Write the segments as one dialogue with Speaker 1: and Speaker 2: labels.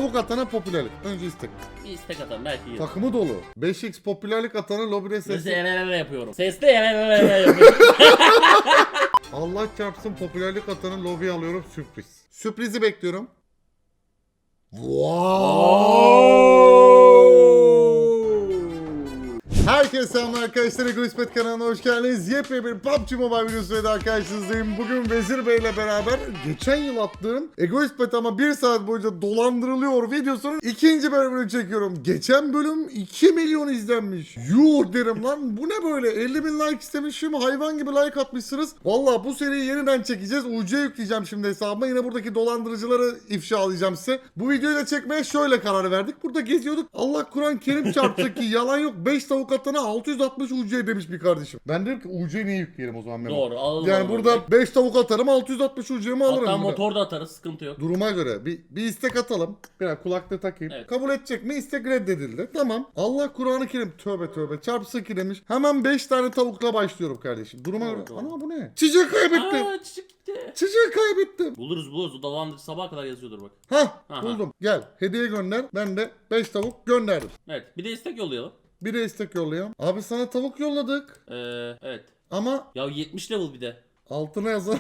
Speaker 1: Tavuk atana popülerlik. Önce istek.
Speaker 2: Bir istek atalım belki iyi.
Speaker 1: Takımı dolu. 5x popülerlik atana lobide
Speaker 2: Sesli
Speaker 1: sesli.
Speaker 2: yapıyorum. Sesli yapıyorum.
Speaker 1: Allah çarpsın popülerlik atanı lobiye alıyorum sürpriz. Sürprizi bekliyorum. Herkese selamlar arkadaşlar. Egoismet kanalına hoş geldiniz. Yepyeni bir PUBG Mobile videosuyla daha karşınızdayım. Bugün Vezir Bey ile beraber geçen yıl attığım Egoismet ama 1 saat boyunca dolandırılıyor videosunun ikinci bölümünü çekiyorum. Geçen bölüm 2 milyon izlenmiş. Yuh derim lan, bu ne böyle? 50 bin like istemişim, hayvan gibi like atmışsınız. Valla bu seriyi yeniden çekeceğiz. UC yükleyeceğim şimdi hesabıma. Yine buradaki dolandırıcıları ifşalayacağım size. Bu videoyu da çekmeye şöyle karar verdik. Burada geziyorduk. Allah Kur'an Kerim çarptı ki yalan yok. 5 tavuk atana 660 UC demiş bir kardeşim. Ben dedim ki UC niye yükleyelim o zaman Memo?
Speaker 2: Doğru, alalım.
Speaker 1: Yani burada 5 tavuk atarım, 660 UC'mi alırım.
Speaker 2: Hatta
Speaker 1: burada.
Speaker 2: motor da atarız, sıkıntı yok.
Speaker 1: Duruma göre bir istek atalım. Bir kulaklığı takayım.
Speaker 2: Evet.
Speaker 1: Kabul edecek mi? İstek reddedildi. Tamam. Allah Kur'an-ı Kerim. Tövbe tövbe. Çarpısı ki demiş. Hemen 5 tane tavukla başlıyorum kardeşim. Duruma
Speaker 2: Doğru,
Speaker 1: göre.
Speaker 2: doğru.
Speaker 1: Ana bu ne? Çiçeği kaybettim.
Speaker 2: Aa, çiçek gitti.
Speaker 1: Çiçeği kaybettim.
Speaker 2: Buluruz. O dolandırıcı sabaha kadar yazıyordur bak.
Speaker 1: Hah,
Speaker 2: Aha.
Speaker 1: buldum. Gel. Hediye gönder. Ben de 5 tavuk gönderdim.
Speaker 2: Evet, bir de istek yollayalım.
Speaker 1: Bir de istek yollayalım. Abi sana tavuk yolladık.
Speaker 2: Evet.
Speaker 1: Ama
Speaker 2: Ya 70 level bir de.
Speaker 1: altına yazalım.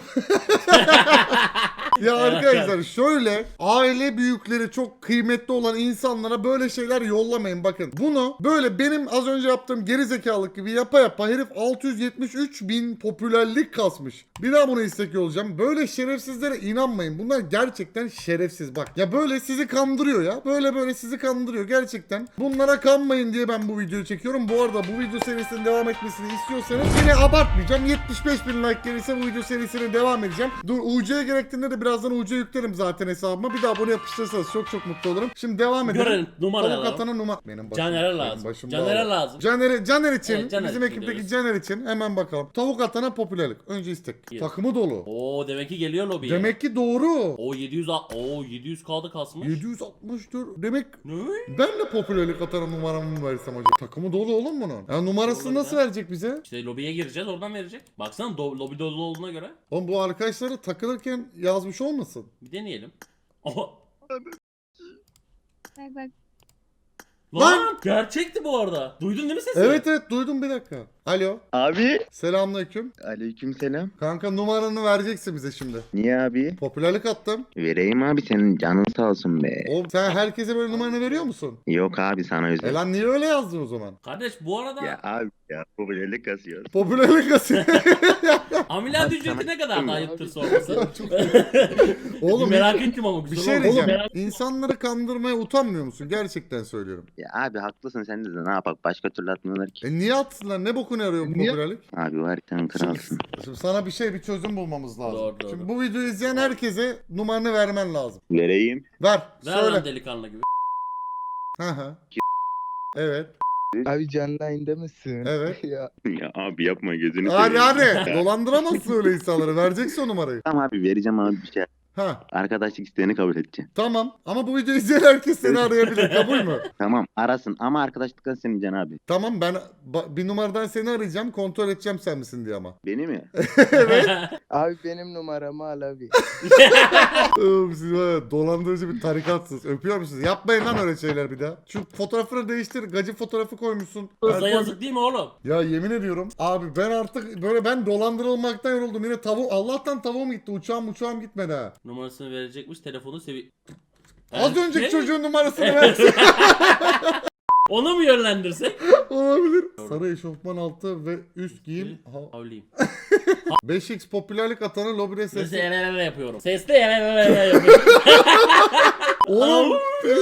Speaker 1: Ya arkadaşlar şöyle, aile büyükleri çok kıymetli olan insanlara böyle şeyler yollamayın bakın. Bunu böyle benim az önce yaptığım gerizekalılık gibi yapa yapa herif 673 bin popülerlik kasmış. Bir daha bunu istek yollayacağım. Böyle şerefsizlere inanmayın. Bunlar gerçekten şerefsiz bak. Ya böyle sizi kandırıyor ya. Böyle sizi kandırıyor gerçekten. Bunlara kanmayın diye ben bu videoyu çekiyorum. Bu arada bu video serisinin devam etmesini istiyorsanız yine abartmayacağım. 75 bin like gelirse bu video serisine devam edeceğim. Dur, UC'ye gerektiğinde de birazdan UC yüklerim zaten hesabıma. Bir daha bunu yapıştırırsanız çok mutlu olurum. Şimdi devam edelim.
Speaker 2: Görelim, numara
Speaker 1: Tavuk
Speaker 2: alalım.
Speaker 1: atana numara. Benim başım.
Speaker 2: Caner'e
Speaker 1: benim
Speaker 2: lazım.
Speaker 1: başım
Speaker 2: Caner'e
Speaker 1: bağlı.
Speaker 2: lazım.
Speaker 1: Caner için,
Speaker 2: Evet, Caner
Speaker 1: bizim
Speaker 2: için
Speaker 1: ekipteki
Speaker 2: diyoruz.
Speaker 1: Caner için hemen bakalım. Tavuk atana popülerlik. Önce istek.
Speaker 2: İyi.
Speaker 1: Takımı dolu.
Speaker 2: Oo, demek ki geliyor lobiye.
Speaker 1: Demek ki doğru.
Speaker 2: O 700 kaldı kasmış.
Speaker 1: 764. Demek
Speaker 2: Ne?
Speaker 1: ben de popülerlik atana numaramı mı versem acaba? Takımı dolu oğlum bunun. Ya numarasını
Speaker 2: Doğru
Speaker 1: nasıl
Speaker 2: ya.
Speaker 1: verecek bize?
Speaker 2: İşte lobiye gireceğiz, oradan verecek. Baksana lobi dolu olduğuna göre.
Speaker 1: Oğlum bu arkadaşları takılırken yazmış olmasın?
Speaker 2: Bir deneyelim. Oha.
Speaker 3: Bak.
Speaker 2: Lan! Gerçekti bu arada. Duydun değil mi sesi?
Speaker 1: Evet duydum, bir dakika. Alo.
Speaker 4: Abi.
Speaker 1: Selamünaleyküm.
Speaker 4: Aleykümselam.
Speaker 1: Kanka numaranı vereceksin bize şimdi.
Speaker 4: Niye abi?
Speaker 1: Popülerlik attım.
Speaker 4: Vereyim abi, senin canın sağ olsun be.
Speaker 1: Oğlum sen herkese böyle numaranı veriyor musun?
Speaker 4: Yok abi, sana özel.
Speaker 1: Lan niye öyle yazdın o zaman?
Speaker 2: Kardeş bu arada
Speaker 4: Ya abi ya, popülerlik kasıyor.
Speaker 1: Popülerlik atıyor.
Speaker 2: ameliyat
Speaker 4: Abi
Speaker 2: ücreti
Speaker 4: sana-
Speaker 2: ne kadar da ayıptır sorması.
Speaker 1: Oğlum
Speaker 2: Merak ettim ama
Speaker 1: bir
Speaker 2: güzel
Speaker 1: şey
Speaker 2: oldu.
Speaker 1: diyeceğim.
Speaker 2: Merak-
Speaker 1: İnsanları kandırmaya utanmıyor musun? Gerçekten söylüyorum.
Speaker 4: Ya abi haklısın, sen de ne yapak, başka türlü atmıyorlar ki.
Speaker 1: Niye atsınlar? Ne bokunu arıyor bu popülerlik?
Speaker 4: Abi var, sen kralsın.
Speaker 1: Şimdi sana bir çözüm bulmamız lazım.
Speaker 2: Doğru.
Speaker 1: Şimdi bu videoyu izleyen herkese numaranı vermen lazım.
Speaker 4: Vereyim.
Speaker 1: Ver.
Speaker 2: Ver
Speaker 1: Söyle.
Speaker 2: lan delikanlı gibi.
Speaker 1: Hı hı. Evet.
Speaker 5: Abi canlı yayında mısın?
Speaker 1: Evet.
Speaker 5: Ya
Speaker 4: Ya abi yapma, gözünü
Speaker 1: Hadi
Speaker 4: seveyim.
Speaker 1: hadi. Dolandıramazsın öyle insanları. Vereceksin o numarayı.
Speaker 4: Tamam abi, vereceğim abi bir şey.
Speaker 1: Ha.
Speaker 4: Arkadaşlık isteğini kabul edeceğim.
Speaker 1: Tamam. Ama bu videoyu izleyen herkes seni arayabilir. Kabul mü?
Speaker 4: Tamam, arasın ama arkadaşlıktan sevmeyeceksin abi.
Speaker 1: Tamam, ben bir numaradan seni arayacağım. Kontrol edeceğim sen misin diye ama.
Speaker 4: Beni mi?
Speaker 5: abi benim numaramı al abi.
Speaker 1: Oğlum siz var ya, dolandırıcı bir tarikatsınız. Öpüyor musunuz? Yapmayın lan öyle şeyler bir daha. Şu fotoğrafını değiştir. Gacı fotoğrafı koymuşsun.
Speaker 2: Kıza yazık değil mi oğlum?
Speaker 1: Ya yemin ediyorum. Abi ben artık böyle dolandırılmaktan yoruldum. Yine Allah'tan tavuğum gitti. Uçağım gitmedi ha.
Speaker 2: Numarasını verecekmiş, telefonu
Speaker 1: Az önceki
Speaker 2: Ne?
Speaker 1: çocuğun numarasını versin.
Speaker 2: Onu mu yönlendirsek?
Speaker 1: Olabilir. Sarı eşofman altı ve üst giyim.
Speaker 2: Havliyim.
Speaker 1: 5x popülerlik atanı lobide
Speaker 2: Sesli
Speaker 1: sesli.
Speaker 2: yapıyorum. Sesli yapıyorum.
Speaker 1: Oğlum.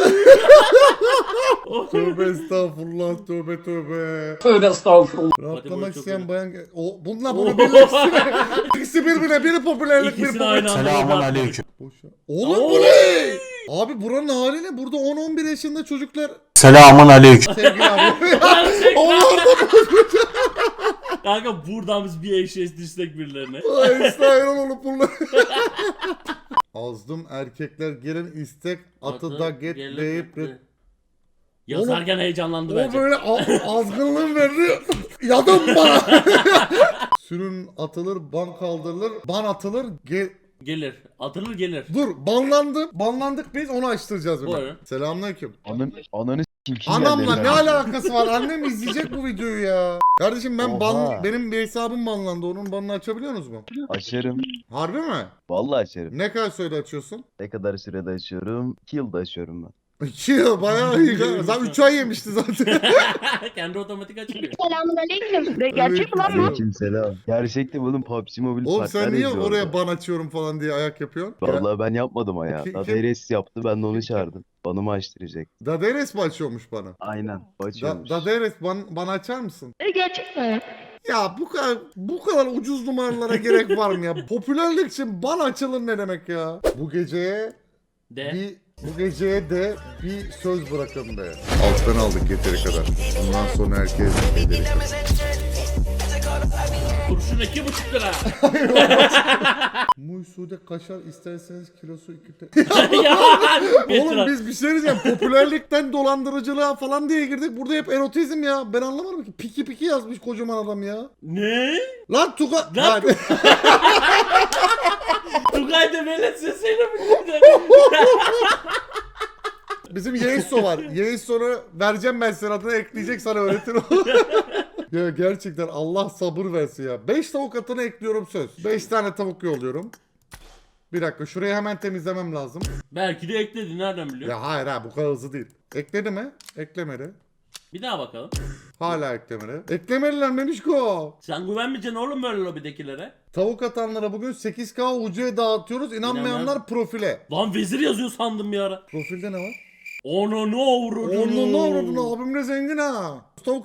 Speaker 1: Tövbe estağfurullah, tövbe.
Speaker 2: Tövbe estağfurullah.
Speaker 1: Rahatlamak
Speaker 2: çok
Speaker 1: isteyen
Speaker 2: iyi.
Speaker 1: bayan... Bununla bunu birleşsin. İkisi birbirine, biri popülerlik, biri
Speaker 2: İkisini aynı
Speaker 1: popülerlik.
Speaker 2: anda. Selamünaleyküm.
Speaker 1: Boşa. Oğlum bu ne? Abi buranın hali ne? Burada 10-11 yaşında çocuklar...
Speaker 6: Selamun aleyküm.
Speaker 1: Sevgili abi.
Speaker 2: Gerçekten.
Speaker 1: Onlar da
Speaker 2: Kanka buradan biz bir eşeğiz düşsek birilerine.
Speaker 1: Ay İsrail olup bunlar. Azdım erkekler gelin istek atı da get deyip
Speaker 2: Yazarken heyecanlandı
Speaker 1: o
Speaker 2: bence.
Speaker 1: böyle azgınlığın verdi. Yadım bana. Sürün atılır, ban kaldırılır, ban atılır,
Speaker 2: Gelir. Atılır gelir.
Speaker 1: Dur banlandım. Banlandık biz onu açtıracağız.
Speaker 2: Buyurun.
Speaker 1: Selamünaleyküm.
Speaker 4: Ananı kim
Speaker 1: Anamla ne alakası var? Annem izleyecek bu videoyu ya. Kardeşim ben
Speaker 3: Oha.
Speaker 1: benim bir hesabım banlandı. Onun banını açabiliyorsunuz mu?
Speaker 3: Açarım.
Speaker 1: Harbi mi?
Speaker 3: Vallahi açarım.
Speaker 1: Ne kadar sürede açıyorsun?
Speaker 3: Ne kadar sürede açıyorum? 2 yılda açıyorum ben.
Speaker 1: 2 yıl bayağı iyi. Zaten 3 ay yemişti zaten.
Speaker 2: Kendi otomatik açılıyor.
Speaker 6: Selamünaleyküm. Gerçek mi lan bu?
Speaker 3: Aleykümselam. Gerçekten oğlum PUBG Mobile
Speaker 1: Oğlum sen
Speaker 3: partner
Speaker 1: niye
Speaker 3: yazıyor
Speaker 1: oraya
Speaker 3: orada.
Speaker 1: ban açıyorum falan diye ayak yapıyorsun?
Speaker 3: Vallahi ben yapmadım ha ya.
Speaker 1: Kim-
Speaker 3: Daderes yaptı, ben de onu çağırdım. Banımı açtıracak.
Speaker 1: Daderes mi açıyormuş bana?
Speaker 3: Aynen. Açıyormuş.
Speaker 1: Daderes bana açar mısın?
Speaker 6: Gerçek mi?
Speaker 1: Ya bu kadar ucuz numaralara gerek var mı ya? Popülerlik için ban açılır ne demek ya? Bu geceye de bir söz bırakın be. Alttan aldık yeteri kadar. Bundan sonra herkes ederi.
Speaker 2: Kurşun 2,5 lira.
Speaker 1: Muysude kaşar isterseniz kilosu 2 TL.
Speaker 2: Ya,
Speaker 1: Oğlum biz bir şey diyeceğim. Popülerlikten dolandırıcılığa falan diye girdik. Burada hep erotizm ya. Ben anlamadım ki. Piki piki yazmış kocaman adam ya.
Speaker 2: Ne?
Speaker 1: Lan Tuga...
Speaker 2: Lan
Speaker 1: Hadi.
Speaker 2: Tugay da velet sesiyle mi gitti?
Speaker 1: Bizim Yeiso var. Yeiso'nu vereceğim ben senin adına ekleyecek sana öğretir o. Ya gerçekten Allah sabır versin ya. 5 tavuk atını ekliyorum söz. 5 tane tavuk yolluyorum. Bir dakika şurayı hemen temizlemem lazım.
Speaker 2: Belki de ekledi. Nereden biliyorsun?
Speaker 1: Ya hayır ha bu kadar hızlı değil. Ekledi mi? Eklemedi.
Speaker 2: Bir daha bakalım.
Speaker 1: Hala eklemedi. Eklemediler Memişko.
Speaker 2: Sen güvenmeyeceksin oğlum böyle lobidekilere.
Speaker 1: Tavuk atanlara bugün 8K UC'ye dağıtıyoruz. İnanmayanlar profile.
Speaker 2: Lan vezir yazıyor sandım bir ara.
Speaker 1: Profilde ne var?
Speaker 2: Onu ne uğradın?
Speaker 1: Onun ne avradın abimle zengin ha.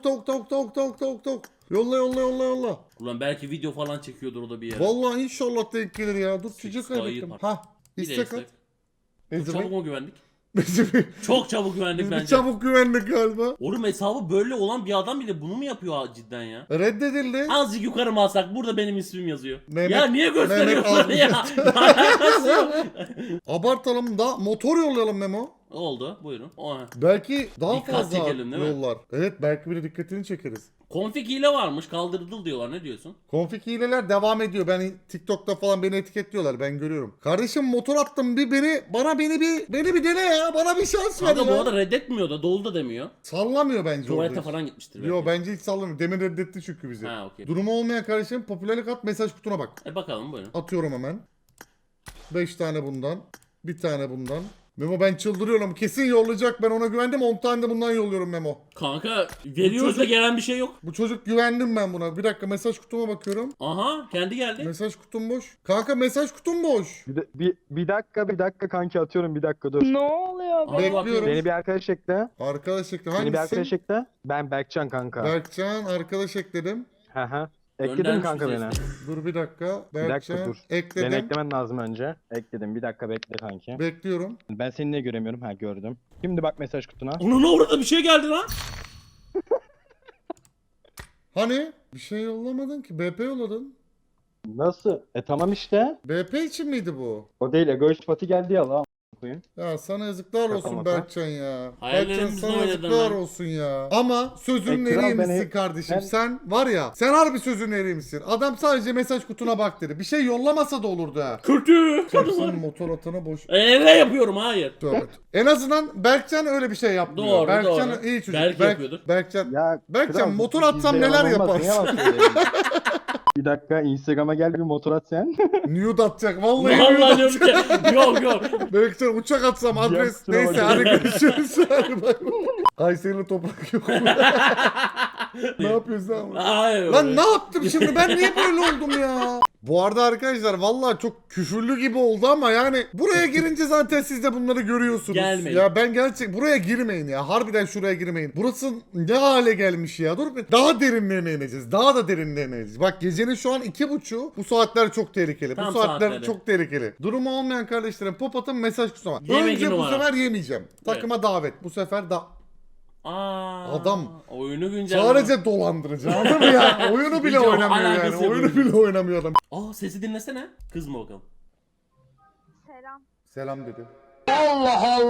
Speaker 1: Tavuk. Yolla.
Speaker 2: Ulan belki video falan çekiyordur o da bir yere.
Speaker 1: Vallahi inşallah denk gelir ya. Dur çiçek
Speaker 2: 8K'yı
Speaker 1: kaybettim.
Speaker 2: par-
Speaker 1: Ha.
Speaker 2: Bir de
Speaker 1: İstek at.
Speaker 2: istek. Çok çabuk mu güvendik?
Speaker 1: Biz
Speaker 2: Çok çabuk güvendik
Speaker 1: bir
Speaker 2: bence.
Speaker 1: çabuk güvendik galiba.
Speaker 2: Oğlum hesabı böyle olan bir adam bile bunu mu yapıyor ha cidden ya?
Speaker 1: Reddedildi.
Speaker 2: Azıcık yukarı mı alsak burada benim ismim yazıyor.
Speaker 1: Mehmet-
Speaker 2: Ya niye gösteriyorsun
Speaker 1: Mehmet
Speaker 2: ya? Alakası yok.
Speaker 1: Abartalım da motor yollayalım Memo.
Speaker 2: Oldu buyurun. Oha.
Speaker 1: Belki daha
Speaker 2: Dikkat
Speaker 1: fazla
Speaker 2: çekelim, değil mi?
Speaker 1: yollar. Evet belki bir de dikkatini çekeriz.
Speaker 2: Konfig hile varmış kaldırıldı diyorlar ne diyorsun?
Speaker 1: Konfig hileler devam ediyor. Ben TikTok'ta falan beni etiketliyorlar. Ben görüyorum. Kardeşim motor attım bir beni bir dene ya. Bana bir şans ver
Speaker 2: Kanka bu
Speaker 1: ya.
Speaker 2: arada reddetmiyor da dolu da demiyor.
Speaker 1: Sallamıyor bence
Speaker 2: Tuvalete
Speaker 1: orada.
Speaker 2: falan gitmiştir
Speaker 1: Yo
Speaker 2: belki.
Speaker 1: bence hiç sallamıyor. Demin reddetti çünkü bizi.
Speaker 2: Ha okey.
Speaker 1: Durumu olmayan kardeşim popülerlik at mesaj kutuna bak.
Speaker 2: Bakalım buyurun.
Speaker 1: Atıyorum hemen. 5 tane bundan. Bir tane bundan. Memo ben çıldırıyorum. Kesin yollayacak. Ben ona güvendim. 10 tane de bundan yolluyorum Memo.
Speaker 2: Kanka veriyoruz da gelen bir şey yok.
Speaker 1: Bu çocuk güvendim ben buna. Bir dakika mesaj kutuma bakıyorum.
Speaker 2: Aha kendi geldi.
Speaker 1: Mesaj kutum boş. Kanka mesaj kutum boş.
Speaker 5: Bir dakika kanki atıyorum bir dakika dur.
Speaker 6: Ne oluyor
Speaker 2: Abi
Speaker 6: be?
Speaker 1: Bekliyorum.
Speaker 5: Beni bir arkadaş ekle.
Speaker 1: Arkadaş ekle.
Speaker 5: Beni bir arkadaş
Speaker 1: Hangisi?
Speaker 5: ekle. Ben Berkcan kanka.
Speaker 1: Berkcan arkadaş ekledim.
Speaker 5: Hı hı. Ekledin
Speaker 2: Göndermiş
Speaker 5: kanka
Speaker 2: bize
Speaker 5: beni.
Speaker 2: işte.
Speaker 1: Dur bir dakika.
Speaker 5: dakika,
Speaker 1: Berkcan
Speaker 5: dur.
Speaker 1: ekledim.
Speaker 5: Beni eklemen lazım önce. Ekledim. Bir dakika bekle kanki.
Speaker 1: Bekliyorum.
Speaker 5: Ben seni niye göremiyorum? Ha gördüm. Şimdi bak mesaj kutuna.
Speaker 2: Onun orada bir şey geldi lan.
Speaker 1: Hani? Bir şey yollamadın ki. BP yolladın.
Speaker 5: Nasıl? Tamam işte.
Speaker 1: BP için miydi bu?
Speaker 5: O değil. Egoist Pati geldi ya lan. Koyayım.
Speaker 1: Ya sana yazıklar olsun
Speaker 5: Şaka maka.
Speaker 1: Berkcan ya. Berkcan
Speaker 2: Hayallerimizle
Speaker 1: sana
Speaker 2: oynadın
Speaker 1: yazıklar
Speaker 2: lan.
Speaker 1: olsun ya. Ama sözünün
Speaker 5: Kral
Speaker 1: eriymişsin
Speaker 5: beni-
Speaker 1: kardeşim.
Speaker 5: ben-
Speaker 1: Sen var ya sen harbi sözünün eriymişsin. Adam sadece mesaj kutuna bak dedi. Bir şey yollamasa da olurdu ha.
Speaker 2: Kötü.
Speaker 1: Sen motor atana boş.
Speaker 2: Ne yapıyorum hayır.
Speaker 1: Tövbe. En azından Berkcan öyle bir şey yapmıyor.
Speaker 2: Doğru,
Speaker 1: Berkcan
Speaker 2: doğru.
Speaker 1: iyi çocuk.
Speaker 2: Belki yapıyordur.
Speaker 1: Berkcan
Speaker 5: Ya
Speaker 1: Berkcan,
Speaker 5: kral,
Speaker 1: motor
Speaker 5: bizde
Speaker 1: atsam
Speaker 5: yalan
Speaker 1: neler
Speaker 5: olmaz, niye
Speaker 1: yaparsın?
Speaker 5: yalan söylüyorsun? Bir dakika Instagram'a gel bir motor at sen.
Speaker 1: nude atacak. Vallahi nude
Speaker 2: Vallahi
Speaker 1: atacak.
Speaker 2: diyorum ki yok yok.
Speaker 1: Berkcan uçak atsam adres.
Speaker 5: Yaksın
Speaker 1: Neyse
Speaker 5: ama.
Speaker 1: hadi görüşürüz. Hadi bay bay. Kayseri'li toprak yok. Ne yapıyorsun abi?
Speaker 2: Hayır.
Speaker 1: Lan ne yaptım şimdi? Ben niye böyle oldum ya? Bu arada arkadaşlar vallahi çok küfürlü gibi oldu ama yani buraya girince zaten siz de bunları görüyorsunuz.
Speaker 2: Gelmeyin.
Speaker 1: Ya ben gerçek buraya girmeyin ya. Harbiden şuraya girmeyin. Burası ne hale gelmiş ya. Dur bir daha derinlerine ineceğiz. Daha da derinlerine ineceğiz. Bak gecenin şu an 2.30. Bu saatler çok tehlikeli.
Speaker 2: Tam
Speaker 1: bu saatler
Speaker 2: saatleri.
Speaker 1: çok tehlikeli. Durumu olmayan kardeşlerim pop atın mesaj kusama.
Speaker 2: Yemek
Speaker 1: Önce bu
Speaker 2: numara.
Speaker 1: sefer yemeyeceğim. Takıma davet. Bu sefer da
Speaker 2: Aa,
Speaker 1: Adam.
Speaker 2: Oyunu güncelleme.
Speaker 1: sadece dolandırıcı. Anladın mı ya? Oyunu bile
Speaker 2: Hiç
Speaker 1: oynamıyor yani.
Speaker 2: alakası yok.
Speaker 1: Oyunu bile oynamıyor adam.
Speaker 2: Aa sesi dinlesene. Kız mı bakalım?
Speaker 6: Selam.
Speaker 1: Selam dedi.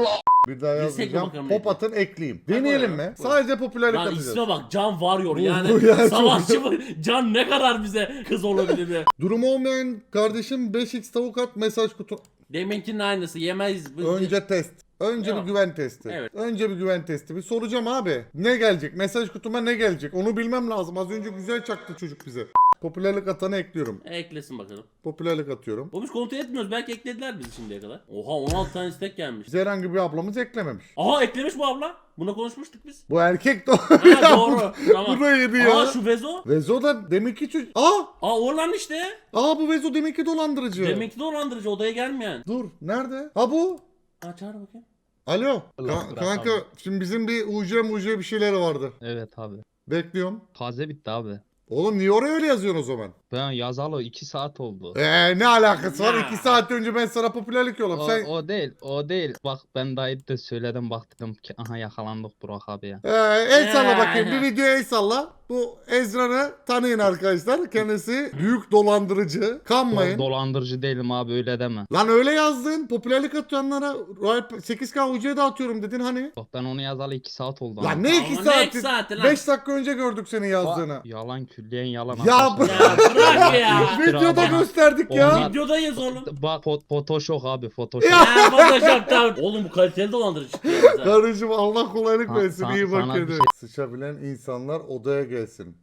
Speaker 1: Bir daha
Speaker 2: Bilsek mi
Speaker 1: yazacağım.
Speaker 2: bakalım
Speaker 1: Pop
Speaker 2: ne
Speaker 1: atın ekleyeyim.
Speaker 2: Hadi
Speaker 1: Deneyelim
Speaker 2: buyurun,
Speaker 1: mi?
Speaker 2: buyurun.
Speaker 1: Sadece popülerlik
Speaker 2: Lan
Speaker 1: atacağız.
Speaker 2: isme bak, Can Warrior
Speaker 1: Bu
Speaker 2: yani.
Speaker 1: ya, çok
Speaker 2: Savaşçı mı? Can ne kadar bize kız olabilir be.
Speaker 1: Durumu olmayan kardeşim 5x tavuk at mesaj kutu.
Speaker 2: Deminkinin aynısı, yemeyiz.
Speaker 1: Önce test. Önce
Speaker 2: Tamam.
Speaker 1: bir güven testi.
Speaker 2: Evet.
Speaker 1: Önce bir güven testi. Bir soracağım abi. Ne gelecek? Mesaj kutuma ne gelecek? Onu bilmem lazım. Az önce güzel çaktı çocuk bize. Popülerlik atanı ekliyorum.
Speaker 2: Eklesin bakalım.
Speaker 1: Popülerlik atıyorum.
Speaker 2: O biz kontrol etmiyoruz. Belki eklediler bizi şimdiye kadar. Oha, 16 tane istek gelmiş.
Speaker 1: Bize herhangi bir ablamız eklememiş.
Speaker 2: Aha, eklemiş bu abla. Buna konuşmuştuk biz.
Speaker 1: Bu erkek de
Speaker 2: Ha doğru. Tamam.
Speaker 1: Bu da yedi ya.
Speaker 2: Aa, şu Vezo.
Speaker 1: Vezo da demek ki çocuk.
Speaker 2: Aa, Orlan işte.
Speaker 1: Bu Vezo demek ki dolandırıcı.
Speaker 2: Demek ki dolandırıcı, odaya gelmeyen.
Speaker 1: Dur nerede? Ha bu.
Speaker 2: Aa, çağır bakayım.
Speaker 1: Alo.
Speaker 5: Allah bırak
Speaker 1: Kanka
Speaker 5: abi.
Speaker 1: şimdi bizim bir UC bir şeyler vardı.
Speaker 5: Evet abi.
Speaker 1: Bekliyorum.
Speaker 5: Taze bitti abi.
Speaker 1: Oğlum niye oraya öyle yazıyorsun o zaman?
Speaker 5: Ben yazalı 2 saat oldu.
Speaker 1: Ne alakası var?
Speaker 2: Ya.
Speaker 1: 2 saat önce ben sana popülerlik yolladım.
Speaker 5: O,
Speaker 1: Sen
Speaker 5: o değil. Bak ben daha de söyledim, bak dedim ki aha yakalandık Burak abi ya.
Speaker 1: el salla
Speaker 2: Ya.
Speaker 1: bakayım. Bir videoya el salla. Bu Ezra'nı tanıyın arkadaşlar. Kendisi büyük dolandırıcı. Kanmayın.
Speaker 5: Dolandırıcı değilim abi, öyle deme.
Speaker 1: Lan öyle yazdın. Popülerlik atanlara Royal 8K UC'ye dağıtıyorum dedin hani.
Speaker 5: Bak ben onu yazalı 2 saat oldu.
Speaker 1: Lan
Speaker 5: ama.
Speaker 1: ne 2
Speaker 2: Ama ne
Speaker 1: saati?
Speaker 2: iki saati lan?
Speaker 1: 5 dakika önce gördük senin yazdığını.
Speaker 5: Yalan, külliyen yalan.
Speaker 1: Ya
Speaker 5: arkadaşlar.
Speaker 2: Ya bırak ya.
Speaker 1: Videoda
Speaker 5: Ama-
Speaker 1: gösterdik ya.
Speaker 5: Onlar-
Speaker 2: Videodayız oğlum.
Speaker 5: Bak Photoshop abi, Photoshop.
Speaker 1: Ya.
Speaker 2: Ya Photoshop'tan. Oğlum bu kaliteli dolandırıcı çıktı ya bize.
Speaker 1: Karıcığım Allah kolaylık
Speaker 5: Ha,
Speaker 1: versin. İyi
Speaker 5: sana
Speaker 1: bak
Speaker 5: bir
Speaker 1: edin.
Speaker 5: şey-
Speaker 1: Sıçabilen insanlar odaya gelsin.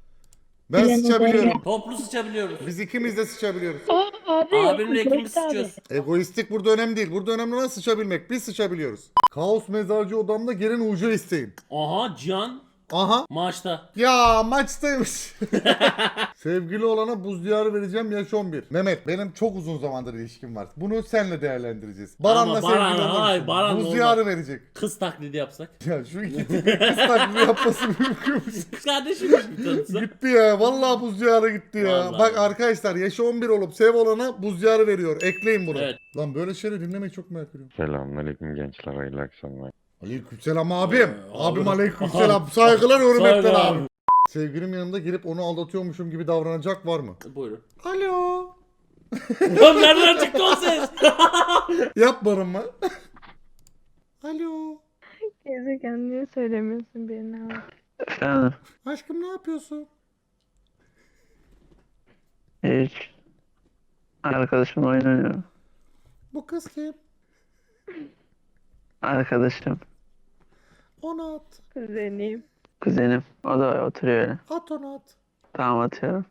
Speaker 1: Ben
Speaker 6: Bilen
Speaker 1: sıçabiliyorum.
Speaker 2: Toplu sıçabiliyoruz.
Speaker 1: Biz ikimiz de sıçabiliyoruz.
Speaker 6: Abi.
Speaker 2: Abimle ikimiz
Speaker 6: Abi.
Speaker 2: sıçıyoruz.
Speaker 1: Egoistik burada önemli değil. Burada önemli olan sıçabilmek. Biz sıçabiliyoruz. Kaos mezarcı odamda gelin ucu isteyin.
Speaker 2: Aha, Can
Speaker 1: Aha.
Speaker 2: maçta.
Speaker 1: Ya maçtaymış. Sevgili olana buz diyarı vereceğim yaş 11. Mehmet benim çok uzun zamandır ilişkim var. Bunu senle değerlendireceğiz. Baran'la
Speaker 2: Ama Baran,
Speaker 1: sevgili
Speaker 2: hayır,
Speaker 1: olursun.
Speaker 2: Baran
Speaker 1: Buz
Speaker 2: olmaz.
Speaker 1: diyarı verecek.
Speaker 2: Kız taklidi yapsak.
Speaker 1: Ya şu iki tipin kız taklidi yapması mümkün.
Speaker 2: Kız kardeşimmiş bir tanısı.
Speaker 1: Gitti ya. Vallahi buz diyarı gitti ya.
Speaker 2: Vallahi.
Speaker 1: Bak arkadaşlar yaşı 11 olup sev olana buz diyarı veriyor. Ekleyin bunu.
Speaker 2: Evet.
Speaker 1: Lan böyle şeyleri dinlemeyi çok merak ediyorum.
Speaker 7: Selamünaleyküm gençler, hayırlı akşamlar.
Speaker 1: Aleykümselam abim. Abim
Speaker 2: Abi.
Speaker 1: aleykümselam. Saygılar hürmetler
Speaker 2: Saygılar.
Speaker 1: abi. Sevgilim yanında girip onu aldatıyormuşum gibi davranacak var mı?
Speaker 2: Buyurun.
Speaker 1: Alo.
Speaker 2: Lan nereden çıktı o ses?
Speaker 1: Yapmarım mı? Alo.
Speaker 6: Gezegen niye söylemiyorsun birine abi?
Speaker 8: Efendim,
Speaker 1: Aşkım ne yapıyorsun?
Speaker 8: hiç. Arkadaşımla oyun oynuyorum.
Speaker 1: Bu kız kim?
Speaker 8: Arkadaşım,
Speaker 1: Onu at.
Speaker 6: Kuzeniyim.
Speaker 8: kuzenim. O da oturuyor öyle.
Speaker 1: At onu at.
Speaker 8: Tamam, atıyorum.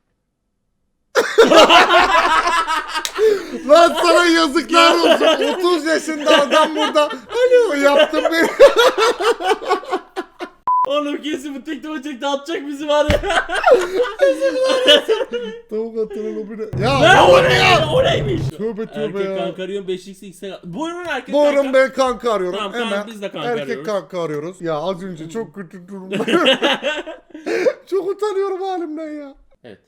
Speaker 1: Lan sana yazıklar olsun. 30 yaşında adam burada. Alo yaptım beni.
Speaker 2: Oğlum kesin bu TikTok'a çekti, atacak bizi var ya.
Speaker 1: Tavuk atılır o bir. Ya
Speaker 2: Ne
Speaker 1: oğlum
Speaker 2: o ne?
Speaker 1: ya.
Speaker 2: O neymiş?
Speaker 1: Tövbe tövbe
Speaker 2: Erkek
Speaker 1: ya.
Speaker 2: kanka arıyorum 5x x'e. Buyurun erkek
Speaker 1: Buyurun
Speaker 2: kanka.
Speaker 1: ben kanka arıyorum.
Speaker 2: Tamam, tamam,
Speaker 1: Hemen
Speaker 2: biz de kanka
Speaker 1: erkek
Speaker 2: arıyoruz.
Speaker 1: kanka arıyoruz. Ya az önce çok kötü durumdayım. Çok utanıyorum halimden ya.
Speaker 2: Evet.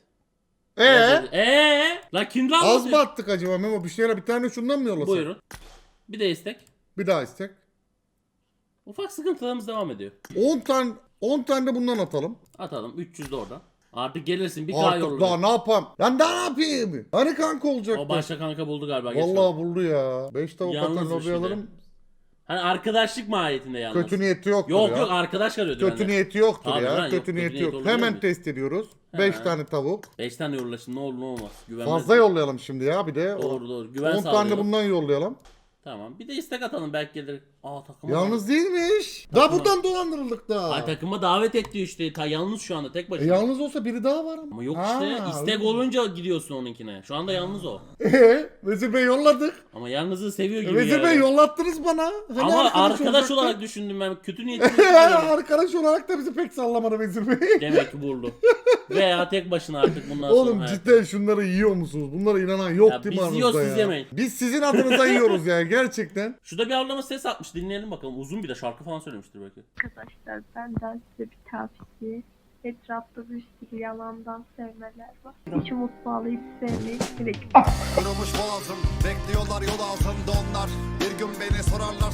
Speaker 1: Ee?
Speaker 2: La kimden
Speaker 1: Az
Speaker 2: bahsediyorsun?
Speaker 1: mı attık acaba Memo? Bir şeyler bir tane şundan mı yollasak?
Speaker 2: Buyurun. Bir de istek.
Speaker 1: Bir daha istek.
Speaker 2: Ufak sıkıntılarımız devam ediyor.
Speaker 1: 10 tane de bundan atalım.
Speaker 2: Atalım 300 de oradan. Artık gelirsin bir K
Speaker 1: Artık
Speaker 2: yollarız.
Speaker 1: daha ne yapayım? Lan daha ne yapayım? Hani kanka olacak?
Speaker 2: O başka kanka buldu galiba. geç
Speaker 1: Vallahi buldu ya. 5 tavuk atan
Speaker 2: Yalnızmış
Speaker 1: lobi
Speaker 2: bir de.
Speaker 1: alırım.
Speaker 2: Hani arkadaşlık mahiyetinde yalnız.
Speaker 1: Kötü niyeti yoktur
Speaker 2: Yok
Speaker 1: ya.
Speaker 2: yok, arkadaş arıyordu
Speaker 1: Kötü
Speaker 2: benden.
Speaker 1: niyeti yoktur
Speaker 2: Tabii
Speaker 1: ya.
Speaker 2: lan, yok,
Speaker 1: Kötü
Speaker 2: kötü
Speaker 1: niyeti
Speaker 2: niyet
Speaker 1: yok.
Speaker 2: olur
Speaker 1: Hemen
Speaker 2: mu?
Speaker 1: test ediyoruz.
Speaker 2: He.
Speaker 1: 5 tane tavuk.
Speaker 2: 5 tane yollaşın, ne olur ne olmaz. Güvenmez.
Speaker 1: Fazla yollayalım şimdi ya bir de.
Speaker 2: Doğru doğru. Güven
Speaker 1: 10 tane de
Speaker 2: sağlayalım.
Speaker 1: bundan yollayalım.
Speaker 2: Tamam. Bir de istek atalım, belki gelir. Aa, takıma.
Speaker 1: Yalnız değilmiş. Daha buradan dolandırıldık da.
Speaker 2: Ay, takıma davet etti işte. Yalnız şu anda tek başına.
Speaker 1: Yalnız olsa biri daha var ama.
Speaker 2: Ama yok
Speaker 1: Ha,
Speaker 2: işte. İstek
Speaker 1: öyle.
Speaker 2: olunca gidiyorsun onunkine. Şu anda yalnız o.
Speaker 1: Vezir Bey yolladık.
Speaker 2: Ama yalnızı seviyor gibi
Speaker 1: Vezir
Speaker 2: yani.
Speaker 1: Bey yollattınız bana. Hani
Speaker 2: Ama arkadaş
Speaker 1: olacaktı?
Speaker 2: olarak düşündüm ben. Kötü niyetli düşündüm.
Speaker 1: Arkadaş olarak da bizi pek sallamadı Vezir Bey.
Speaker 2: Demek ki buldu. Veya tek başına artık bundan
Speaker 1: Oğlum
Speaker 2: sonra.
Speaker 1: cidden şunları yiyor musunuz? Bunlara inanan yok
Speaker 2: Ya
Speaker 1: değil mi
Speaker 2: biz
Speaker 1: aranızda
Speaker 2: yiyoruz,
Speaker 1: ya?
Speaker 2: siz yemeyin.
Speaker 1: Biz sizin adınıza yiyoruz yani gerçekten.
Speaker 2: Şurada bir ablama ses atmış, dinleyelim bakalım. Uzun bir de şarkı falan söylemiştir belki.
Speaker 9: Arkadaşlar benden size bir tavsiye. Etrafta bir sürü yalandan sevmeler var. Hiç umut bağlayıp sevmeyi gerek yok.
Speaker 10: Kırılmış boğazım, bekliyorlar yol altında onlar. Bir gün beni sorarlar.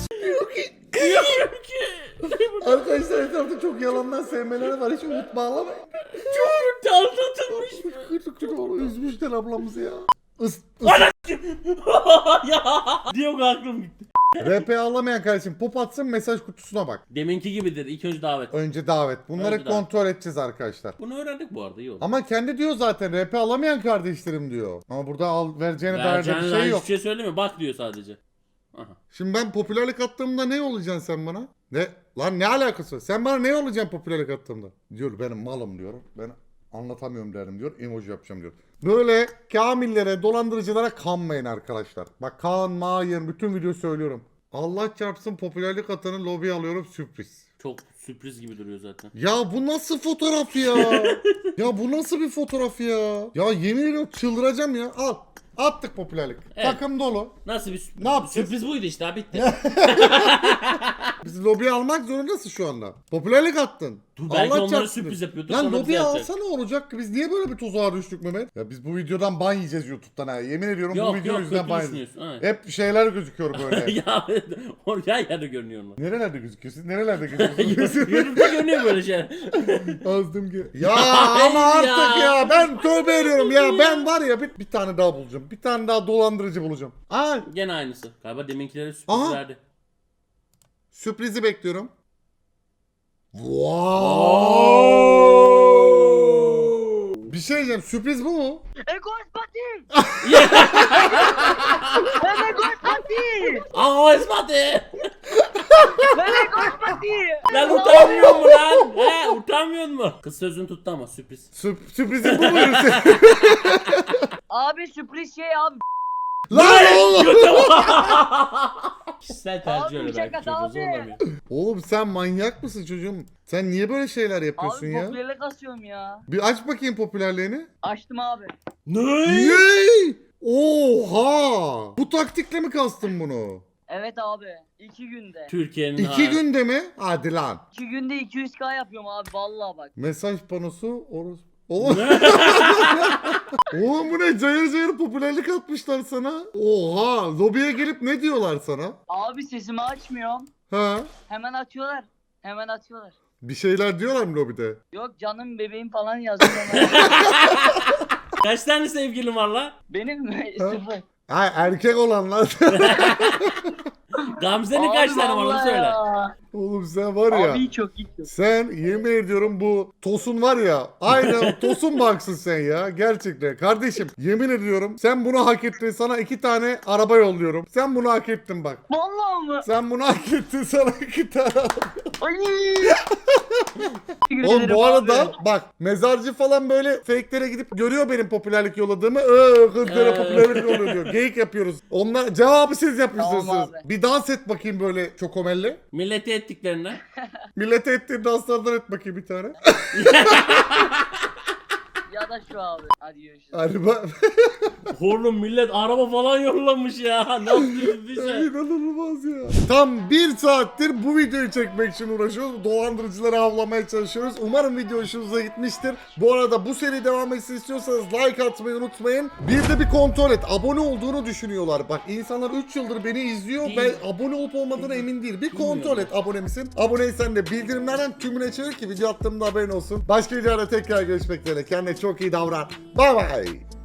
Speaker 1: Arkadaşlar etrafta çok yalandan sevmeleri var. Hiç umut bağlamayın.
Speaker 2: Anlatılmış.
Speaker 1: Kırdık oğlum üzmüşler ablamızı ya.
Speaker 2: Ya. Diyor aklım gitti.
Speaker 1: RP alamayan kardeşim pop atsın, mesaj kutusuna bak.
Speaker 2: Deminki gibidir. İlk önce davet.
Speaker 1: Önce davet. Bunları
Speaker 2: Önce davet.
Speaker 1: kontrol edeceğiz arkadaşlar.
Speaker 2: Bunu öğrendik bu arada, iyi oldu.
Speaker 1: Ama kendi diyor zaten RP alamayan kardeşlerim diyor. Ama burada vereceğine dair de bir şey yok.
Speaker 2: Hiçbir şey söylemiyor. Bak diyor sadece. Aha.
Speaker 1: Şimdi ben popülerlik attığımda ne olacaksın sen bana? Ne? Lan ne alakası var? Sen bana ne olacaksın popülerlik attığımda? Diyor benim malım diyor. Ben anlatamıyorum derim diyor. Emoji yapacağım diyor. Böyle kamillere, dolandırıcılara kanmayın arkadaşlar. Bak kanmayın. Bütün video söylüyorum. Allah çarpsın popülerlik atanı lobiye alıyorum, sürpriz.
Speaker 2: Çok sürpriz gibi duruyor zaten.
Speaker 1: Ya bu nasıl fotoğraf ya? Ya bu nasıl bir fotoğraf ya? Ya yemin ediyorum çıldıracağım ya. Al. Attık popülerlik.
Speaker 2: Evet.
Speaker 1: Takım dolu.
Speaker 2: Nasıl bir sürpriz?
Speaker 1: Ne yapacağız?
Speaker 2: Sürpriz buydu işte, bitti.
Speaker 1: Biz lobiye almak zorundasın şu anda. Popülerlik attın.
Speaker 2: Dur, belki
Speaker 1: Allah
Speaker 2: onlara
Speaker 1: çarpsın.
Speaker 2: sürpriz yapıyordur.
Speaker 1: Lan
Speaker 2: sonra bize
Speaker 1: lobiye
Speaker 2: yapacak.
Speaker 1: alsa ne olacak ki? Biz niye böyle bir tuzağa düştük Mehmet? Ya biz bu videodan ban yiyeceğiz YouTube'dan ha. Yemin ediyorum bu
Speaker 2: Yok
Speaker 1: video
Speaker 2: yok,
Speaker 1: yüzünden
Speaker 2: kötü
Speaker 1: ban yiyeceğiz.
Speaker 2: düşünüyorsun. Evet.
Speaker 1: Hep şeyler gözüküyor böyle.
Speaker 2: Ya oraya yerde görünüyor onlar.
Speaker 1: Nerelerde gözüküyor? Siz nerelerde gözüküyorsunuz?
Speaker 2: YouTube'da görünüyor böyle şeyler.
Speaker 1: Azdım ki. Ya ama
Speaker 2: Hayır
Speaker 1: artık
Speaker 2: ya.
Speaker 1: ya. Ben tövbe ediyorum ya. Ben var ya bir tane daha bulacağım. Bir tane daha dolandırıcı bulacağım. Aa,
Speaker 2: Gene aynısı. Galiba deminkilere sürpriz
Speaker 1: Aha.
Speaker 2: verdi.
Speaker 1: sürprizi bekliyorum. Wow. Bir şey diyeceğim. Sürpriz bu mu?
Speaker 2: Aa İsmail! Lan utanmıyor mu lan? He utanmıyor mu? Kız sözünü tuttu ama sürpriz.
Speaker 1: Sürprizin bu muydu?
Speaker 11: Abi sürpriz şey abi.
Speaker 1: Lan oğlum.
Speaker 2: Kişisel tercih
Speaker 11: Abi,
Speaker 2: öyle belki
Speaker 11: şaka
Speaker 2: çocuğu
Speaker 11: abi.
Speaker 2: zorlamıyor.
Speaker 1: Oğlum sen manyak mısın çocuğum? Sen niye böyle şeyler yapıyorsun
Speaker 11: Abi
Speaker 1: ya?
Speaker 11: popülerlik asıyorum ya.
Speaker 1: Bir aç bakayım popülerliğini.
Speaker 11: Açtım abi.
Speaker 2: Ne?
Speaker 1: Yey! Oha! Bu taktikle mi kastın bunu?
Speaker 11: Evet abi. 2 günde.
Speaker 2: Türkiye'nin
Speaker 1: 2 günde mi? Hadi lan.
Speaker 11: 2 günde 200k yapıyorum abi vallahi bak.
Speaker 1: Mesaj panosu orası. Oğlum. Oğlum bu ne? Cayır cayır popülerlik atmışlar sana. Oha! Lobiye gelip ne diyorlar sana?
Speaker 11: Abi sesimi açmıyorum.
Speaker 1: Ha?
Speaker 11: Hemen atıyorlar. Hemen atıyorlar.
Speaker 1: Bir şeyler diyorlar mı lobide?
Speaker 11: Yok canım bebeğim falan yazıyor.
Speaker 2: Kaç tane sevgilin var la?
Speaker 11: Benim mi?
Speaker 1: Ha?
Speaker 11: 0.
Speaker 1: Ha erkek olanlar.
Speaker 2: Gamze'nin kaç tane var onu söyle.
Speaker 1: Oğlum sen var ya.
Speaker 11: Abi çok iyi.
Speaker 1: Sen yemin ediyorum bu Tosun var ya. Aynı Tosun baksın sen ya. Gerçekten. Kardeşim yemin ediyorum sen bunu hak ettin. Sana 2 tane araba yolluyorum. Sen bunu hak ettin bak.
Speaker 11: Vallahi mı?
Speaker 1: Sen bunu hak ettin. Sana 2 tane araba.
Speaker 11: Ay.
Speaker 1: Oğlum bu arada bak mezarcı falan böyle fake'lere gidip görüyor benim popülerlik yolladığımı. Kızlara popülerlik yolluyor diyor. Geyik yapıyoruz. Onlar cevabı siz yapıyorsunuz.
Speaker 11: Tamam abi.
Speaker 1: Bir dans et bakayım böyle çokomelli.
Speaker 2: Milleti ettiklerine.
Speaker 1: Millete ettiğin danslardan et bakayım bir tane.
Speaker 11: Ya da şu abi. Hadi görüşürüz.
Speaker 1: Hadi bak.
Speaker 2: Oğlum millet araba falan yollamış ya. Ne yapıyorsun bize?
Speaker 1: İnanılmaz ya. Tam 1 saattir bu videoyu çekmek için uğraşıyoruz. Dolandırıcıları avlamaya çalışıyoruz. Umarım video hoşunuza gitmiştir. Bu arada bu seri devam etsin istiyorsanız like atmayı unutmayın. Bir de bir kontrol et. Abone olduğunu düşünüyorlar. Bak insanlar 3 yıldır beni izliyor.
Speaker 2: Değil.
Speaker 1: Ben abone olup olmadığına emin değil. Bir kontrol et abone misin? Aboneysen de bildirimlerden tümüne çevir ki video attığımda haberin olsun. Başka videoda tekrar görüşmek üzere. Kendine çok iyi davran. Bye bye.